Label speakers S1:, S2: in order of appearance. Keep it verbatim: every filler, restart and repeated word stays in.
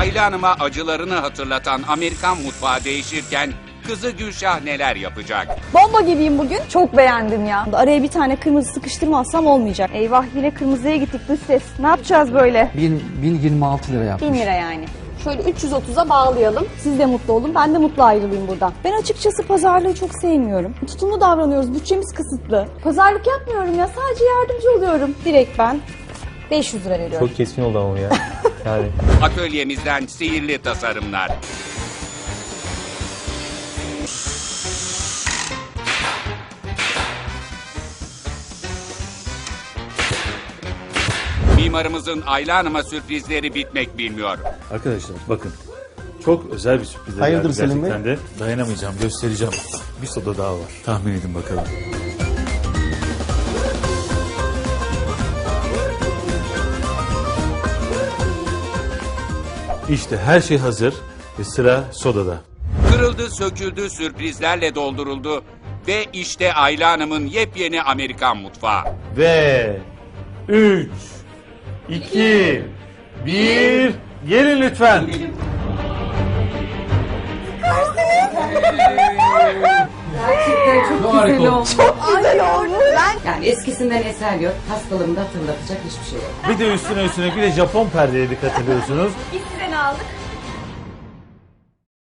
S1: Ayla Hanım'a acılarını hatırlatan Amerikan mutfağı değişirken kızı Gülşah neler yapacak?
S2: Bomba gibiyim bugün. Çok beğendim ya. Araya bir tane kırmızı sıkıştırmazsam olmayacak. Eyvah, yine kırmızıya gittik dış ses. Ne yapacağız böyle?
S3: bin yirmi altı lira yapmış.
S2: bin lira yani. Şöyle üç yüz otuza bağlayalım. Siz de mutlu olun, ben de mutlu ayrılayım buradan. Ben açıkçası pazarlığı çok sevmiyorum. Tutumlu davranıyoruz, bütçemiz kısıtlı. Pazarlık yapmıyorum ya, sadece yardımcı oluyorum. Direkt ben beş yüz lira veriyorum.
S4: Çok keskin oldu ama ya. Yani.
S1: Atölyemizden sihirli tasarımlar. Mimarımızın Ayla Hanım'a sürprizleri bitmek bilmiyor.
S5: Arkadaşlar bakın. Çok özel bir sürpriz.
S4: Hayırdır Selim Bey?
S5: Gerçekten de dayanamayacağım. Göstereceğim. Bir soda daha var. Tahmin edin bakalım. İşte her şey hazır ve sıra sodada.
S1: Kırıldı, söküldü, sürprizlerle dolduruldu ve işte Ayla Hanım'ın yepyeni Amerikan mutfağı.
S5: Ve üç, iki, bir, gelin lütfen.
S6: Gerçekten çok güzel oldu.
S2: Güzel oldu. Ben
S6: Yani eskisinden eser yok. Hastalığımı da hatırlatacak hiçbir şey yok.
S5: Bir de üstüne üstüne bir de Japon perdeye dikkat ediyorsunuz.
S2: biz size ne aldık?